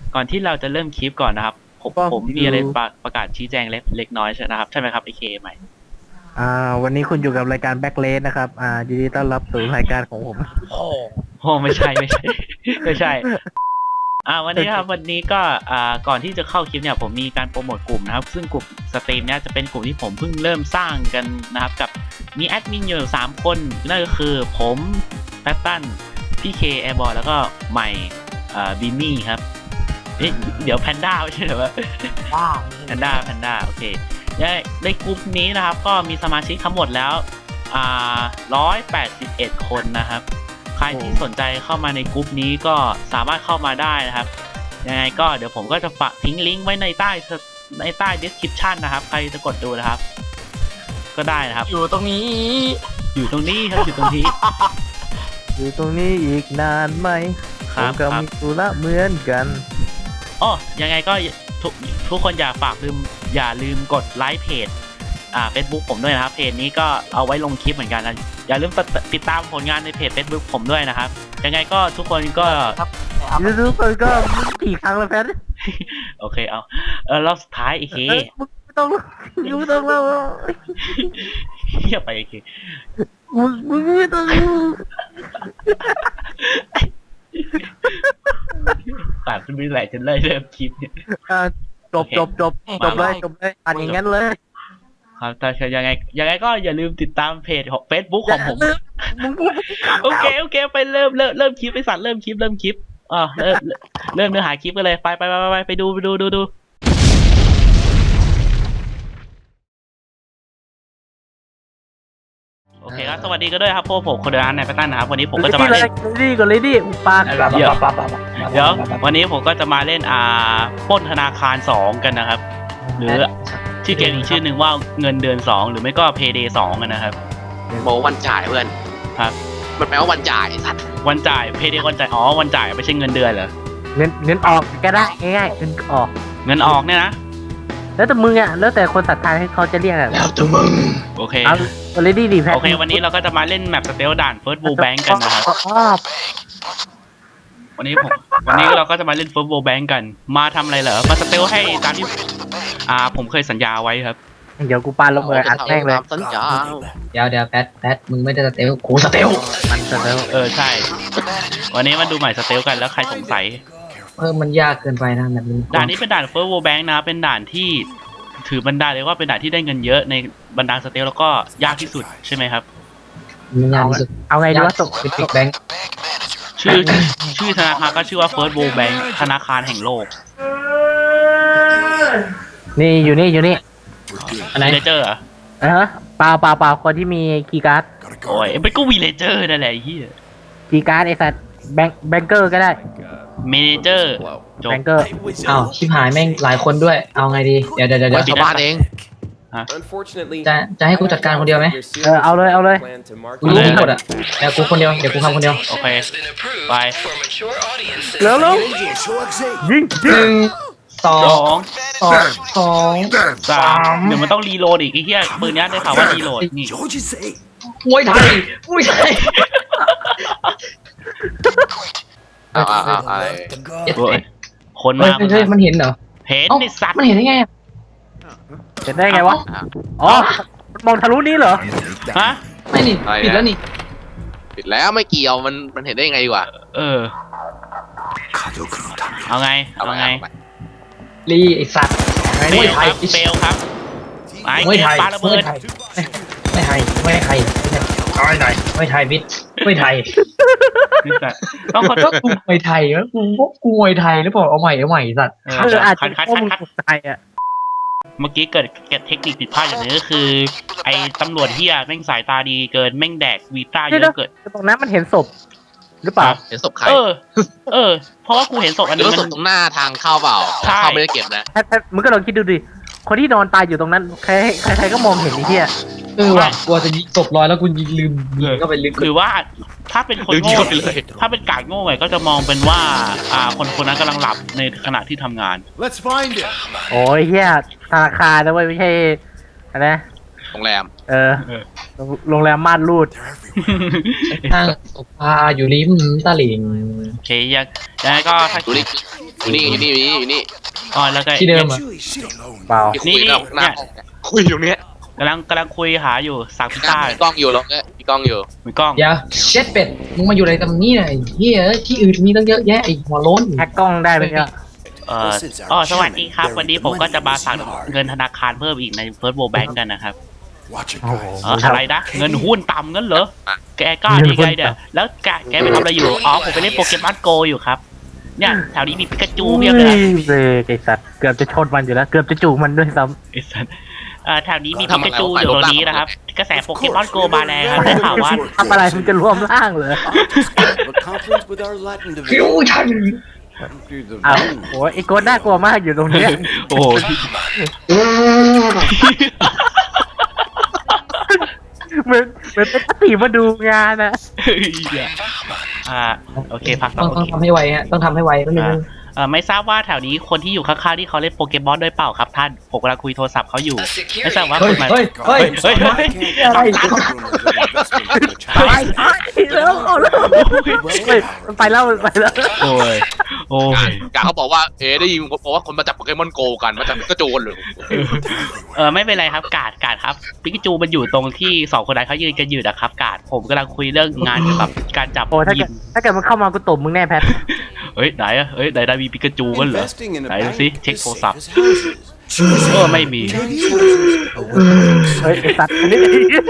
ก่อนที่เราจะเริ่มคลิปก่อนนะครับผมมีอะไรประกาศชี้แจงเล็กน้อยใช่นะครับใช่ไหมครับไอเคใหม่วันนี้คุณอยู่กับรายการแบ็คเลสนะครับยินดีต้อนรับสู่รายการของผมโอ้ไม่ใช่ ไม่ใช่วันนี้ครับวันนี้ก็ก่อนที่จะเข้าคลิปเนี่ยผมมีการโปรโมทกลุ่มนะครับซึ่งกลุ่มสตรีมเนี่ยจะเป็นกลุ่มที่ผมเพิ่งเริ่มสร้างกันนะครับกับมีแอดมินอยู่3คนนั่นก็คือผมแพตตันพี่เคแอร์บอลแล้วก็ใหม่บินนี่ครับเดี๋ยวแพนด้าไม่ใช่เหรอวะแพนด้าโอเคในกลุ่มนี้นะครับก็มีสมาชิกทั้งหมดแล้ว181 คนนะครับใครที่สนใจเข้ามาในกลุ่มนี้ก็สามารถเข้ามาได้นะครับยังไงก็เดี๋ยวผมก็จะฝากทิ้งลิงก์ไว้ในใต้ description นะครับใครจะกดดูนะครับก็ได้นะครับอยู่ตรงนี้ครับอยู่ตรงนี้อยู่ตรงนี้อีกนานไหมผมก็มีธุระเหมือนกันยังไงก็ทุกคนอย่าลืมกดไลค์เพจFacebook ผมด้วยนะครับเพจนี้ก็เอาไว้ลงคลิปเหมือนกันนะอย่าลืมติดตามผลงานในเพจ Facebook ผมด้วยนะครับยังไงก็ทุกคนก็ทุกคนก็กี่ครั้งแล้วแพทโอเคเอารอบสุดท้ายอีกทีมึงไม่ต้องเล่าเฮียไปอีกทีมึงไม่ต้องตัดไม่ไหลจนเลยเริ่มคลิปเนี่ยจบเลยอ่านอย่างนั้นเลยครับแต่ยังไงก็อย่าลืมติดตามเพจของ Facebook ของผมโอเคไปเริ่มคลิปไปสัตว์เริ่มคลิปเริ่มเนื้อหาคลิปกันเลยไปดูโอเคครับสวัสดีกันด้วยครับพวกผมคนเดินในแพตตันนะครับวันนี้ผมก็จะมาเล่นเลยดิอุปาเดี๋ยววันนี้ผมก็จะมาเล่นปล้นธนาคาร2กันนะครับหรือชื่อเกมอีกชื่อหนึ่งว่าเงินเดือน2หรือไม่ก็ Payday 2กันนะครับบอกวันจ่ายเพื่อนครับมันแปลว่าวันจ่ายสัตว์วันจ่าย Payday วันจ่ายวันจ่ายไม่ใช่เงินเดือนเหรอเงินออกก็ได้ง่ายๆเงินออกเนี่ยนะแล้วแต่มึงแล้วแต่คนศรัทธาให้เขาจะเรียกอะไรแล้วแต่มึงโอเคเอาเลยดิแพทโอเควันนี้เราก็จะมาเล่นแมปสเตลด่าน First World Bank กันนะครับวันนี้เราก็จะมาเล่น First World Bank กันมาทำอะไรเหรอมาสเตลให้ตามที่ผมเคยสัญญาไว้ครับเดี๋ยวกูปาลงเลยอัดแม่งเลยสัญญาเดี๋ยวแพทมึงไม่ได้สเตลกูสเตลมันสเตลใช่วันนี้มาดูใหม่สเตลกันแล้วใครสงสัยมันยากเกินไปนะแบบนี้ด่านนี้เป็นด่าน First World Bank นะเป็นด่านที่ถือบรรดาเลยว่าเป็นด่านที่ได้เงินเยอะในบรรดาสเตลแล้วก็ยากที่สุดใช่ไหมครับมันยากที่สุดเอาไงดีว่าตกบิ๊กแบงค์ชื่อธนาคารก็ชื่อว่า First World Bank ธนาคารแห่งโลกนี่อยู่นี่อะไรเลเจอร์เหรอเปล่าคนที่มีคีย์การ์ดโอ้ยเป็นก็วีเลเจอร์นั่นแหละเฮียคีย์การ์ดไอ้สัตว์แบงเกอร์ก็ได้เมเนเจอร์แบงเกอร์ชิบหายแม่งหลายคนด้วยเอาไงดีเดี๋ยวชาวบ้านเองจะให้กูจัดการคนเดียวไหมเอาเลยกูรู้ทั้งหมดอ่ะเดี๋ยวกูคนเดียวกูทำคนเดียวโอเคไปแล้วยิง 2 3 เดี๋ยวมันต้องรีโหลดอีกไอ้เหี้ยปืนนี้ได้ข่าวว่ารีโหลดนี่มวยไทยอะไรคนมามันเห็นเหรอเห็นไอ้สัตว์มันเห็นได้ไงเห็นได้ไงวะมองทะลุนี้เหรอฮะไม่นี่ปิดแล้วนี่ปิดแล้วไม่เกี่ยวมันเห็นได้ยังไงดีกว่าเอาไงรีไอสัตว์มวยไทยเฟลครับมวยไทยปาระเบิดไม่ไทยไม่ไทยบิดไม่ไทยต้องขอโทษกูมวยไทยแล้วกูมวยไทยหรือเปล่าเอาใหม่สัตว์อาจจะข้อมูลไทยอ่ะเมื่อกี้เกิดเทคนิคผิดพลาดอย่างนี้ก็คือไอ้ตำรวจเฮียแม่งสายตาดีเกินแม่งแดกวีต้าเยอะเกินตรงนั้นมันเห็นศพหรือเปล่าเห็นศพใครเพราะว่ากูเห็นศพอันนี้มันศพตรงหน้าทางเข้าเปล่าเข้าไม่ได้เก็บนะมึงก็ลองคิดดูดิคนที่นอนตายอยู่ตรงนั้นใครก็มองเห็นไอ้เหี้ยว่ะกลัวจะยิงศพลอยแล้วกูลืมก็ไปลึกหรือว่าถ้าเป็นคนโง่ถ้าเป็นกาดโง่ไงก็จะมองเป็นว่าคนนั้นกำลังหลับในขณะที่ทำงาน Let's find it โอ้ยเหี้ยธนาคารนะเว้ยไม่ใช่อะไรโรงแรมโรงแรมม่านรูดทางปลาอยู่ริมตลิ่งโอเคยังไงก็ถ้าอยู่นี่อ๋อแล้วก็ที่เดิมอะเปล่าที่คุยกับหน้าห้องเนี่ยคุยอยู่เนี้ยกำลังคุยหาอยู่สั่งพิซซ่ามีกล้องอยู่แล้วเนี่ยมีกล้องอยู่มีกล้องเดี๋ยวเช็ดเป็ดมึงมาอยู่อะไรตรงนี้เนี่ยไอ้เหี้ยที่อื่นมีตั้งเยอะแยะไอ้หัวโล้นแฮกกล้องได้ไหมเนี่ยสวัสดีครับ วันนี้ผมก็จะมาสั่งเงินธนาคารเพิ่มอีกใน First World Bank กันนะครับโอ้โหอะไรนะเงินหุ้นต่ำงั้นเหรอแกกล้าดีไงเนี่ยแล้วแกไปทำอะไรอยู่อ๋อผมไปเล่นโปเกมอนโกอยู่ครับเนี่ยแถวนี้มีปิกาจูเพียบเลยเบรกไอสัตว์เกือบจะชนมันอยู่แล้วเกือบจะจูบมันด้วยซ้ไอ้สัสแถวนี้มีปิกาจูอยู่ตรงนี้นะครับกระแสโปเกมอนโกมาแรงครับได้ข่าวว่าำทำอะไรมันจะรวมร่างเหรอฟิวชั่นอ้าวโอ้ยไอโกดน่ากลัวมากอยู่ตรงเนี้ยโอ้โหเหมือนเป็นปฏิมาดูงานนะโอเคพักต้องทำให้ไวฮะต้องทำให้ไวก็เลยไม่ทราบว่าแถวนี้คนที่อยู่ข้างๆที่เขาเล่นโปเกมอนด้วยเปล่าครับท่านผมกำลังคุยโทรศัพท์เขาอยู่ไม่ทราบว่าเฮ้คุยณมาเฮ้ยเฮ้ยเฮ้ยอะไรไปแล้วเอาแล้วเฮ้ยมันไปแล้วมันไปแล้วโอ้ยโอ้ยกาเขาบอกว่าได้ยินบอกว่าคนมาจับโปเกมอนโกกันมาจับก็โจรเลยไม่เป็นไรครับกาดครับปิกาจูมันอยู่ตรงที่สองคนนั้นเขายืนกันอยู่นะครับกาดผมกำลังคุยเรื่องงานเกี่ยวกับการจับโอ้ถ้าเกิดมันเข้ามากูตบมึงแน่แพทเฮ้ยไหนได้มีปิกาจูกันเหรอไหนดูสิเช็คโทรศัพท์ไม่มีเฮ้ยไอสัตว์อันนี้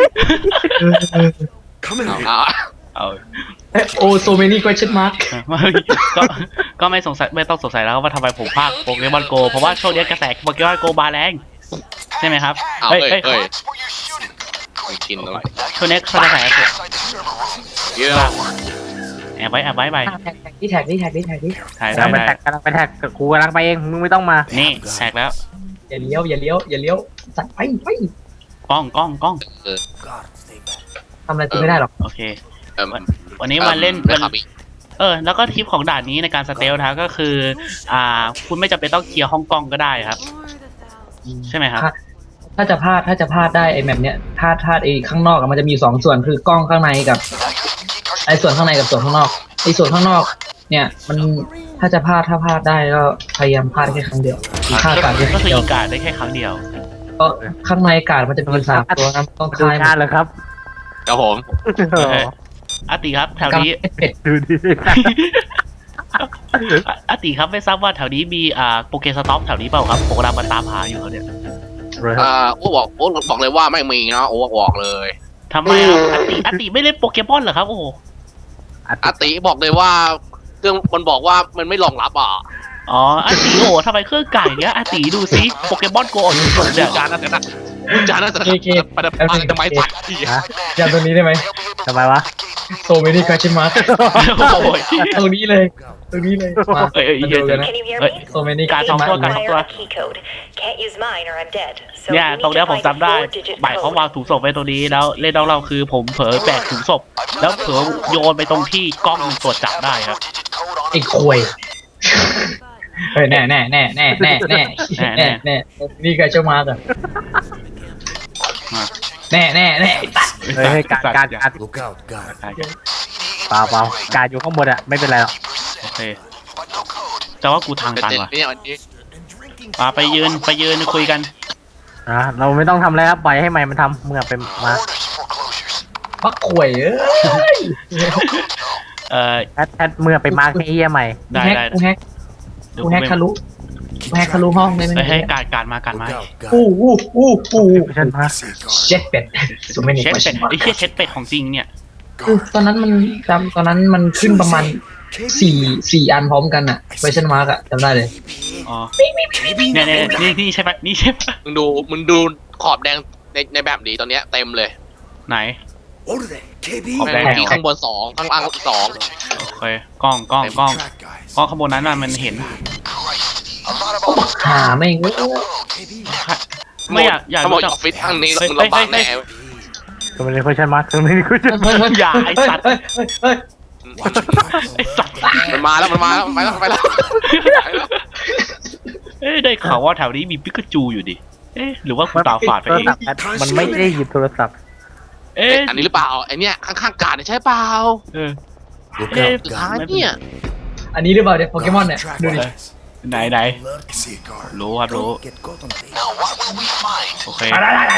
เอาโอ้โซเมนี่ question mark ก็ไม่ต้องสงสัยแล้วว่าทำไมผมพากโปเกมอนโกเพราะว่าช่วงนี้กระแสโปเกมอนโกมาแรงใช่ไหมครับเฮ้ยกินอะไรช่วงนี้กระแสเยอะแอบไว้ไปที่แท็กถ่ายกำลังไปแท็กกับกูกำลังไปเองมึงไม่ต้องมานี่แท็กแล้วอย่าเลี้ยวสัตว์ไปกล้องทำอะไรกูไม่ได้หรอกโอเควันนี้มาเล่นแล้วก็ทิปของด่านนี้ในการสเตลนะก็คือคุณไม่จำเป็นต้องเคลียร์ห้องกล้องก็ได้ครับ ใช่ไหมครับถ้าจะพลาดได้ไอ้แบบเนี้ยพลาดไอ้ข้างนอกมันจะมีสองส่วนคือกล้องข้างในกับไอ้ส่วนข้างในกับส่วนข้างนอกไอ้ส่วนข้างนอกเนี่ยมันถ้าพลาดได้ก็พยายามพลาดแค่ครั้งเดียวพลาดการก็คือเดียวอีกาดได้แค่ครั้งเดียวก็ข้างในกาดมันจะมี3ตัวนะต้องดูคลายงานเหรอครับครับผมอาติครับแถวนี้เป็ดดูดิอาติครับไม่ทราบว่าแถวนี้มีโปเกสต็อกแถวนี้เปล่าครับผมกำลังมาตามหาอยู่เนี่ยโอ้บอกเลยว่าไม่มีนะโอ้บอกเลยทำไมอาติไม่เล่นโปเกมอนเหรอครับโอ้โหอาติบอกเลยว่าเครื่องมันบอกว่ามันไม่รองรับอ่ะอ๋ออาติโอ้ทำไมเครื่องไก่เนี้ยอาติดูซิโปเกมอนโกออกอยู่ตรงเนี่ยจานน่าจะประดับจะไม้ตัดที่จำตัวนี้ได้ไหมทำไมวะโซเมนี่คาชิมาโอ้ยตรงนี้เลยมาเหี้ยดูกันนะ Can you hear Wait. me? โซเมนี่การสองตัว Fire a key code. Can't use mine or I'm dead. So เนี่ย you ตรง need เนี้ย to ผม find จำได้ 4-digit หมายเขา code. วางถุงศพไว้ตรงนี้แล้วเล่นน้องเราคือผมเผลอแบกถุงศพแล้วเผลอโยนไปตรงที่กล้องตรวจจับได้ครับไอ้ควยเฮ้ยแน่นี่กาชิมาก่อนแน่ตัดเฮ้ยการเปล่าการอยู่ข้างบนอะไม่เป็นไรหรอกโอเคแต่ว่ากูทางตันว่ะเนี่ยวันนี้ไปยืนคุยกันเราไม่ต้องทำอะไรครับปล่อยให้ไมค์มันทำเมื่อไปมาปักควยแพทเมื่อไปมาร์คให้เยี่ยใหม่ได้กูแฮกทะลุห้องได้ไหมให้การมาอู้ฉันมาเจ็ดเป็ดโซเมนี่เช็ดคาเป็ชิดมาไอ้เหี้ยเช็ดเป็ดของจริงเนี่ยตอนนั้นมันขึ้นประมาณ4 อันพร้อมกันอะเวอร์ชันมาร์กอะจำได้เลยอ๋อเนี่ยนี่ใช่ปะนี่ใช่ปะมึงดูขอบแดงในแบบนี้ตอนเนี้ยเต็มเลยไหนขอบแดงที่ข้างบน2ข้างล่าง2 โอเคกล้องข้างบนนั้นน่ะมันเห็นหาไม่งไม่อยากถ้าบอกรู้จักออฟฟิศข้างนี้มึงลำบากแน่ก็ไม่ได้คุยฉันมาคือไม่ได้คุยฉันอย่าไอ้สัตว์ ไอ้สัตว์มันมาแล้วไปแล้วได้ข่าวว่าแถวนี้มีปิกาจูอยู่ดิหรือว่าคุณตาฝาดไปเองมันไม่ได้หยิบโทรศัพท์อันนี้หรือเปล่าไอเนี้ยข้างๆกาดใช่เปล่าเออสุดท้ายเนี่ยอันนี้หรือเปล่าเนี่ยโปเกมอนเนี่ยดูดิไหนรู้ครับรู้โอเค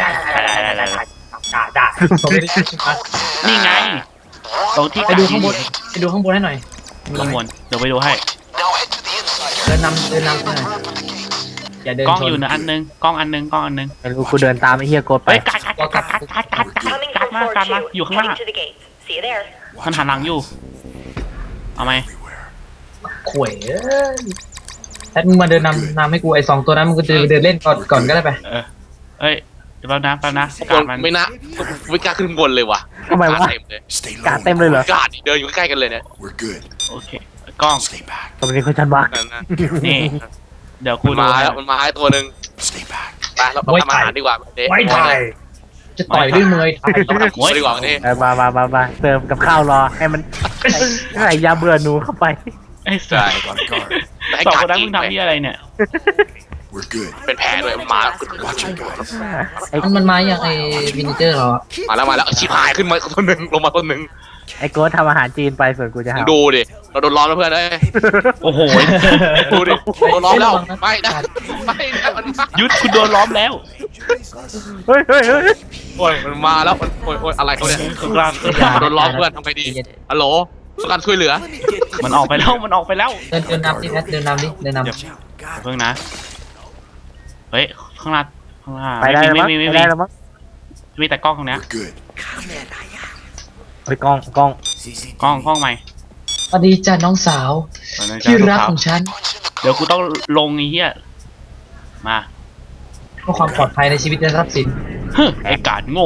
นี่ไงตรงที่ไปดูข้างบนไปดูข้างบนให้หน่อยข้างบนเดี๋ยวไปดูให้เดินนำหน่อยอย่าเดินกล้องชนอยู่นะอันนึงกล้องอันนึงไม่รู้กูเดินตามไอ้เฮียโกดไปเฮ้ยกัด Coming from มา floor กัดมา 2. อยู่ข้างหน้า Heading to the gates. See you there. มันหันหลังอยู่เอาไหมข่วยแอดมึงมาเดินนำให้กูไอ้2ตัวนั้นมึงก็เดินเล่นก่อนก็ได้ไปเอ้ยเดี๋ยวแป๊บนะบกาน ดมันไม่นะไม่กล้าขึ้นบนเลยว่ะทำไมวะเต็มเลยกาดเต็มเลยเหรอกาดเดินอยู่ใกล้ๆกันเลยเนี่ย We're good. โอเคกล้อง Stay back. ตรงนี้เขาชันวักนั่นนะนี่เดี๋ยวกูมันดูมาให้แล้วมันมาให้ตัวหนึ่ง Stay back. ไปเราทำอาหารดีกว่าเด็ไว้ไทยจะต่อยด้วยมือไทยต้องทำครัวดีกว่าวันนี้มาเติมกับข้าวรอให้มันใส่ยาเบื่อหนูเข้าไปไอ้ใช่สั On guard. แต่ให้สองกาคดนนั้นกิมึนงทำที่อะไรเนี่ย We're good. เป็นแผลด้วยมันมา Watch it, guys. มันมาอย่างไอ้วินิเจอร์เหรอมาแล้วชิบหายขึ้นมาคนหนึ่งลงมาคนหนึ่งไอ้โกดทำอาหารจีนไปส่วนกูจะหาดูดิเราโดนล้อมแล้วเพื่อนเอ้ยโอ้โหดูดิโดนล้อมแล้วไม่นะมันมายุดคุณโดนล้อมแล้วเฮ้ยโอ้ยมันมาแล้วมันโอ้ยอะไรเขาเนี่ยกลางโดนล้อมเพื่อนทำไงดีฮัลโหลต้องการช่วยเหลือมันออกไปแล้วเดินนำดิแพทเดินนำดิเดินนำเพิ่งนะเฮ้ยข้างหน้าไปได้แล้วมั้งไม่ไปได้แล้วมั้งมีแต่กล้องตรงเนี้ย We're good. ไปกล้องกล้องใหม่สวัสดีจ้าน้องสาวที่รักของฉันเดี๋ยวกูต้องลงไอ้เหี้ยมาเพื่อความปลอดภัยในชีวิตและทรัพย์สินฮึไอ้กาดโง่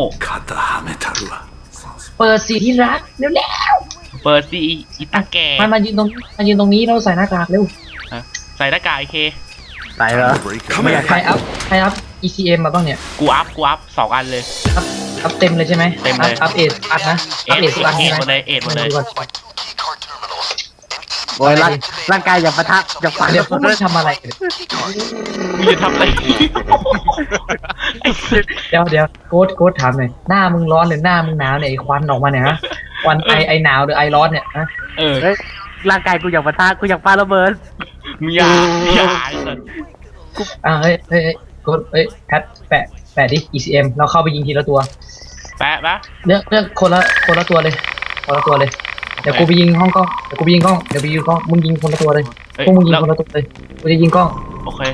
เปิดสีที่รักเร็วเปิดซีอีตาแก่ๆมายืนตรงนี้เราใส่หน้ากากเร็วใส่หน้ากากไอเคใส่เหรอ Come ใครอัพ ECM มาบ้างเนี่ยกูอัพ2 อันเลยอัพเต็มเลยใช่ไหมเต็มเลยอัพเอทอัพนะเอ็อัพดเอททุกอันเอ็ใช่ดไหมหมดเลยเอ็ดหมดเลยโอ้ยร่างกายอย่าปะทะอย่าฟันเดี๋ยวพวกมึงทำอะไรกันมึงจะทำอะไรไอ้สัสเดี๋ยวโค้ดถามหน่อยหน้ามึงร้อนหรือหน้ามึงหนาวเนี่ยไอ้ควันออกมาเนี่ยฮะควันไอหนาวหรือไอร้อนเนี่ยฮะเออเฮ้ยร่างกายกูอยากปะทะกูอยากปาระเบิดมึงอย่าไอ้สัสเฮ้ยโค้ดแพทแปะดิ ECM เราเข้าไปยิงทีละตัวแปะปะเลือกคนละตัวเลยเดี๋ยวกูไปยิงห้องกล้องเดี๋ยวไปยิงกล้องมึงยิงคนละตัวเลยเฮ้ยพวกมึงยิงแล้วคนละตัวเลยกูจะยิงกล้องโอเค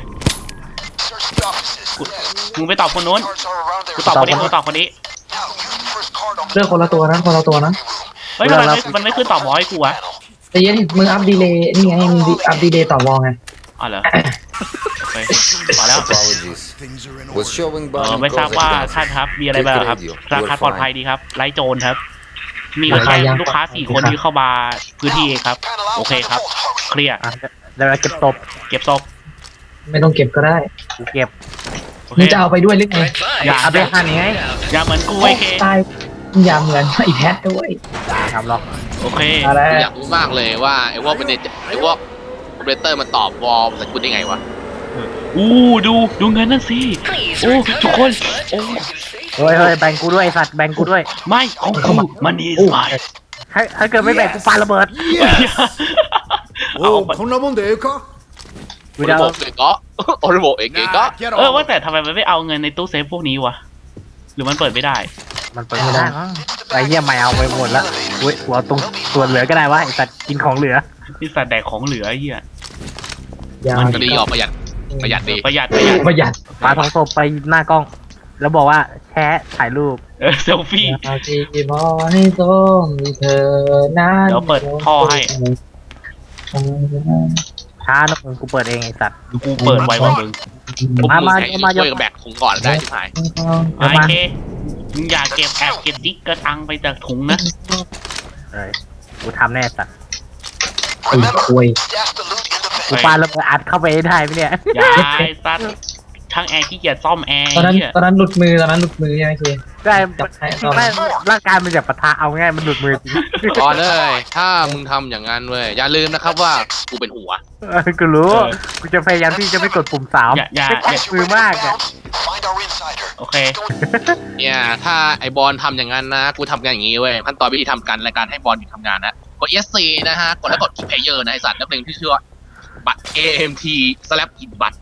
มึงไปตอบคนนู้นกูตอบคนนี้เลือกคนละตัวนะเฮ้ยมันไม่ขึ้นตอบหมอให้กูวะแต่เย็นมึงอัพดีเลย์นี่ไงมึงอัพดีเลย์ต่อวอลไงอ๋อเหรอโอเคพอแล้ว Apologies. Things are in Was order. showing ไม่ Bonnie ทราบ Cause ว่า advances. ท่านครับมีอะไรบ้างครับราคาปลอดภัยดีครับไร้โจรครับ มีแค่ลูกค้า4 คนที่เข้ามาพื้นที่เองครับ โอเคครับ เคลียร์อ่ะเดี๋ยวเราเก็บตบเก็บศพไม่ต้องเก็บก็ได้กูเก็บโอเคมึงจะเอาไปด้วยหรือไงอย่าเอาไปหั่นไงอย่าเหมือนกูไอ้เคตายอย่าเหมือนไอ้แพทด้วยทำหรอกโอเคอะไรอยากรู้มากเลยว่าไอ้พวกเป็นไอ้พวกโอเปอเรเตอร์มันตอบวอลแต่กูได้ไงวะดูเงินนั่นสิโอ้ทุกคนโอ้เฮ้ยแบ่งกูด้วยไอ้สัตว์แบ่งกูด้วยไม่ของกูมันนี่สายถ้าเกิดไม่แบ่งกูปาระเบิดเอาおこんなもんでええかกูโอจะริเอาโบเกก็โอริโบเอเกก็ Get ว่าแต่ทำไมมันไม่เอาเงินในตู้เซฟพวกนี้วะหรือมันเปิดไม่ได้มันเปิดไม่ได้มั้งไอ้เหี้ยไม่เอาไปหมดแล้วเว้ยหัวตรงส่วนเหลือก็ได้วะไอ้สัตว์กินของเหลือที่สัตว์แดกของเหลือไอ้เหี้ยอย่ามันก็ดีออกประหยัดดีประหยัดประหยัดปาทองศพไปหน้ากล้อง แล้วบอกว่าแชะถ่ายรูปเซลฟี่อาจีบอให้ต้องมีเธอนั้นเดี๋ยวเปิดท่อให้ช้านะมึงกูเปิดเองไอ้สัตว์กูเปิดไว้ว่ามึงมาช่วยกับแบกถุงก่อนได้ที่หายไอเคมึงอย่าเก็บแอบเก็บดิ๊กกระตังไปจากถุงนะเอ้ยกูทำแน่สัตว์ไอ้คุยกูปาระเบิดอัดเข้าไปให้ได้ไหมเนี่ยอย่าไอ้สัตว์ช่างแอร์ขี้เกียจซ่อมแอร์ตอนนั้นเหี้ยหลุดมือใช่ไหมเคได้จับให้เอาไม่ร่างกายมันจะปะทะเอาง่ายมันหลุดมือจริงก่อนเลยถ้ามึงทำอย่างนั้นเว้ยอย่าลืมนะครับว่ากูเป็นหัวกูรู้กูจะพยายามที่จะไม่กดปุ่มสามอย่ามือมากอ่ะโอเคเนี่ยถ้าไอบอลทำอย่างนั้นนะกูทำกันอย่างนี้เว้ยขั้นตอนวิธีทำการรายการให้บอลหยุดทำงานนะกด ESC นะฮะกดแล้วกด Keep Player นะไอสัตว์แล้วเพลงที่ชื่อว่าบัตร AMT สลับอินบัตร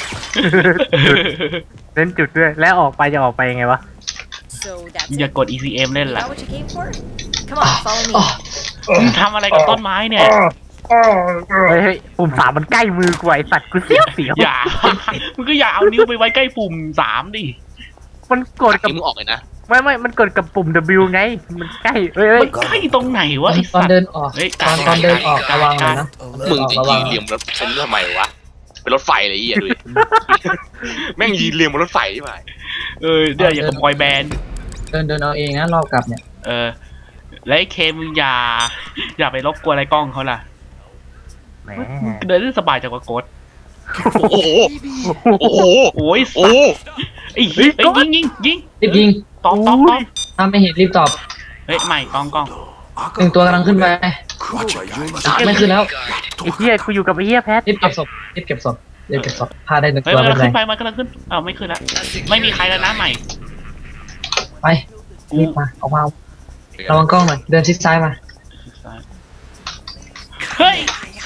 เล่นจุดด้วยแล้วออกไปจะออกไปยังไงวะ So that's อย่ากด ECM เล่น Is ละ that what you came for? Come on, follow me. มึงทำอะไรกับต้นไม้เนี่ยเฮ้ยปุ่มสามมันใกล้มือกูไอสัตว์กูเสียวอย่า มึงก็อย่าเอานิ้วไปไว้ใกล้ปุ่ม3ดิมันกดกับมึงออกเลยนะไม่มันกดกับปุ่ม W ไงมันใกล้เฮ้ยมันใกล้ตรงไหนวะไอ้ตอสันตว์เดินออกเฮ้ยตอนเดินออกระวังหน่อยนะมึงจะยืนเรียงบนรถเป็นทำไมวะเป็นรถไฟเลยไอ้เหี้ยดูดิแม่งยืนเรียงบนรถไฟใช่ไหมเดี๋ยวอย่ากับบอยแบนด์เดินเอาเองนะรอบกลับเนี่ยแล้วไอ้เคมึงอย่าไปรบกวนอะไรกล้องเขาล่ะแหมมึงเดินได้สบายจากว่ากดโอ้โหโอ้โหโอ้ยโอ้ไอ้เหี้ยยิงรีบยิงตอบถ้าไม่เห็นรีบตอบเฮ้ยใหม่กล้องหนึ่งตัวกำลังขึ้นไป Gotcha, guys. ไม่ขึ้นแล้วไอ้เหี้ยกูอยู่กับไอ้เหี้ยแพทรีบเก็บศพพาได้หนึ่งเฮ้ยตัวมันไม่กำเป็ลันงไรขึ้นไปมันกำลังขึ้นไม่ขึ้นแล้วไม่มีใครแล้วนะใหม่ไปรีบมาออกมาระวังกล้องหน่อยเดินชิดซ้ายมาเฮ้ย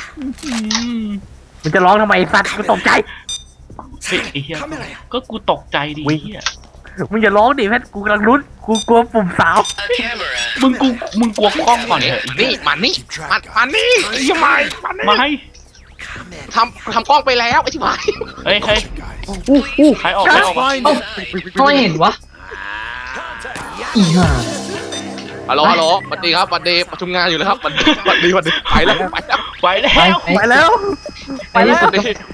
มันจะร้องทำไมไอ้สัตว์กูตกใจเฮ้ยไอ้เหี้ยก็กูตกใจดิเหี้ยมึงอย่าร้องดิแพทกูกำลังรุ้นกูกลัวปุ่มสาวมึงกลัวกล้องก่อนเถอะนี่มันนี่มันนี่ยังไงมันนี่ไม่ทำกล้องไปแล้วไอ้ที่หายเฮ้ย Guys. ใครออกเอ้าเขาไม่เห็นวะอีห่าฮัลโหลสวัสดีครับสวัสดีประชุมงานอยู่แล้วครับสวัสดีไปแล้วไปแล้วไปแล้วไปที่สุดก็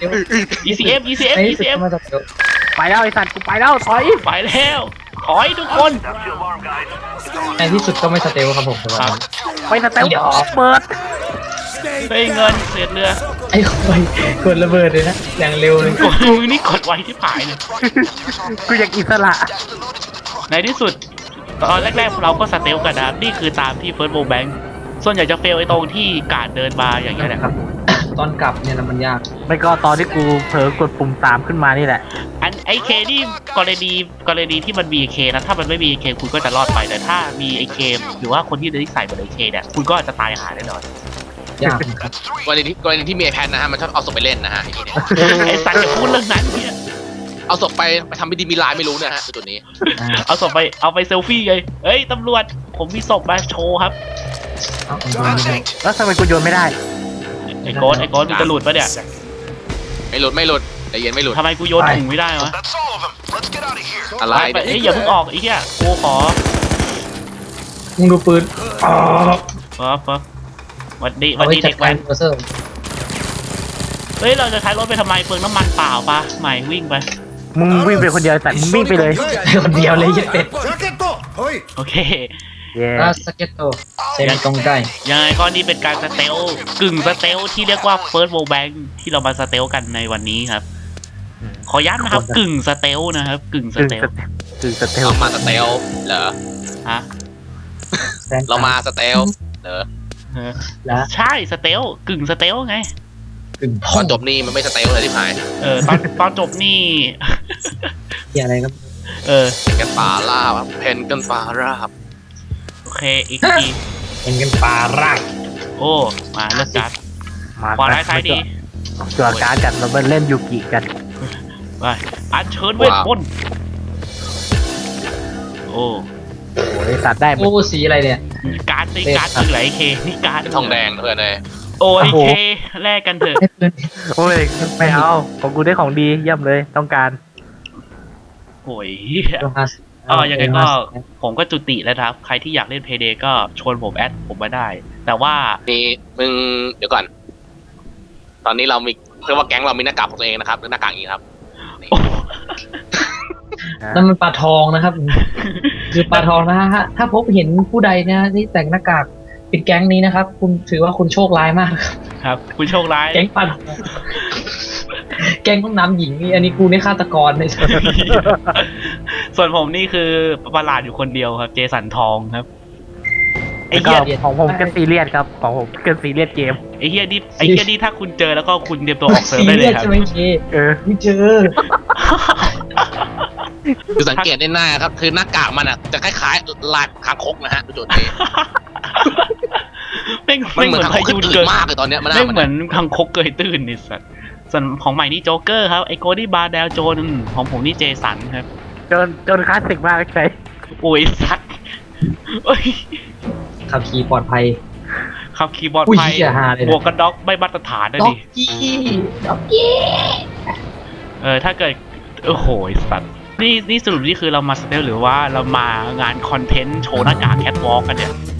ECM ไปที่สุดก็มาจากเดี๋ยวไปแล้วไอ้สัตว์กูไปแล้วถอยไปแล้วถอยทุกคนในที่สุดก็ไม่สเตลครับผมครับไปสเตลเปิดเฮ้ยเงินเศษเรือไอ้คนกดระเบิดเลยนะอย่างเร็วเลยกดมือนี่กดไว้ที่ผายเลยกูอยากอิสระในที่สุดตอนแรกๆเราก็สเตลกันนะนี่คือตามที่เฟิร์สโบแบงค์ส่วนใหญ่จะเฟลไอ้ตรงที่การเดินมาอย่างเงี้ยแหละครับตอนกลับเนี่ยนะมันยากไม่ก็ตอนที่กูเผลอกดปุ่มสามขึ้นมานี่แหละไอเคนี่กรณีที่มันมีเคนะถ้ามันไม่มีเคคุณก็จะรอดไปแต่ถ้ามีไอเคหรือว่าคนที่ได้ใส่บนไอเคเนี่ยคุณก็จะตายหาแน่นอนยากนะครับกรณีที่มีไอแพดนะฮะมันชอบเอาศพไปเล่นนะฮะไอสัตว์จะพูดเรื่องนั้นเนี่ยเอาศพไปทำพิธีมีลายไม่รู้นะฮะจุดนี้เอาศพไปเอาไปเซลฟี่เลยเฮ้ยตำรวจผมมีศพมาโชว์ครับเอาเอาเอาเอาแล้วทำไมกูโยนไม่ได้ไอโกดมึงจะหลุดปะเนี่ยไม่หลุดแต่เย็นไม่หลุดทำไมกูโยนถุงไม่ได้วะอะไรไปเอ้ยอย่าเพิ่งออกไอ้เหี้ยกูขอมึงดูปืนอ๋อปั๊บวันดีเอาไว้เด็จัดกกาแว้รนโปรเซอร์เฮ้ยเราจะใช้รถไปทำไมเปลืองน้ำมันเปล่าปะใหม่วิ่งไปมึงวิ่งไปคนเดียวแต่มึงวิ่งไปเลยคนเดียวเลยยัดเป็ด Jacket! Hoi! โอเคเย้อาสเก็ตโตเซมิตรงใกล้ยังไงก็นี่เป็นการสเตลกึ่งสเตลที่เรียกว่าเฟิร์สโวแบงที่เรามาสเตลกันในวันนี้ครับ ขอย้ำนะครับกึ่งสเตลนะครับกึ่งสกึ่งเตลสเตลเรามาสเตลเหรอฮะเรามาสเตลเหรอแล้วใช่สเตลกึ่งสเตลไงกึ่งตอนจบนี่มันไม่สเตลเลยที่หายตอนจบนี่ที่อะไรครับเป็นกันป่าล่าครับเพนกันป่าราบโอเคอีกทีเป็นกันปลารากโอ้มาเลิกจัดมาขวาร้ายซ้ายดีจอดการกันเราไปเล่นยูกิกันไปอัญเชิญเวทมนต์โอ้โอ้ยสัตว์ได้หมโอ้ดสีอะไรเนี่ยการ์ดนี่การ์ดคือไหลเคนี่การ์ดทองแดงเพื่อนเลยโอ้ยเคแลกกันเถอะให้ปืนโอ้ยไม่เอาของกูได้ของดีเยี่ยมเลยต้องการโอ้ยโลฮัสยังไงก็ผมก็จุติแล้วครับ ใครที่อยากเล่นเพย์เดย์ก็ชวนผมแอดผมมาได้ แต่ว่านี่มึงเดี๋ยวก่อน ตอนนี้เรามีเพื่อว่าแก๊งเรามีหน้ากากของตัวเองนะครับหน้ากากอย่างนี้ครับนั่นมันปลาทองนะครับ คือปลาทองนะฮะถ้าพบเห็นผู้ใดนะที่แต่งหน้ากากเป็นแก๊งนี้นะครับ คุณถือว่าคุณโชคร้ายมากครับครับ คุณโชคร้ายแก๊งปลาทองแก๊งห้องน้ำหญิงนี่อันนี้กูนี่ฆาตกรเลยส่วนผมนี่คือประหลาดอยู่คนเดียวครับ เจสันทองครับ ไอ้แล้วก็เหี้ยของผมเป็นซีเรียสครับของผมเป็นซีเรียสเกมไอ้เหี้ยนี่ถ้าคุณเจอแล้วก็คุณเตรียมตัวออกเซิร์ฟได้เลยครับใช่ไหมเคเออไม่เจอคือสังเกตได้หน้าครับ คือหน้ากากมันอ่ะจะคล้ายๆลายคางคกนะฮะจุดนี้ไม่มันเหมือนเหมือนทางพาขึ้ยุนตื่เกินดมากเลยตอนเนี้ยมันไม่เหมือนคังคกเกยตื้นนี่สัตว์ส่วนของใหม่นี่โจ๊กเกอร์ครับไอโกดี้บาร์เดลโจนของผมนี่เจสันครับจนคลาสสิกมากใช่โอ้ยสัตว์เอ้ยขับขี่ปลอดภัยขับคีย์บอร์ดอุ้ยไฟเหี้ยฮาเลยนะบวกกันด็อกไม่มาตรฐานนะด็อดิกกี้ด็อกกี้ถ้าเกิดโอ้โหสัตว์นี่สรุปนี่คือเรามาสเตลหรือว่าเรามางานคอนเทนต์โชว์หน้ากากแคทวอล์กกันเนี่ย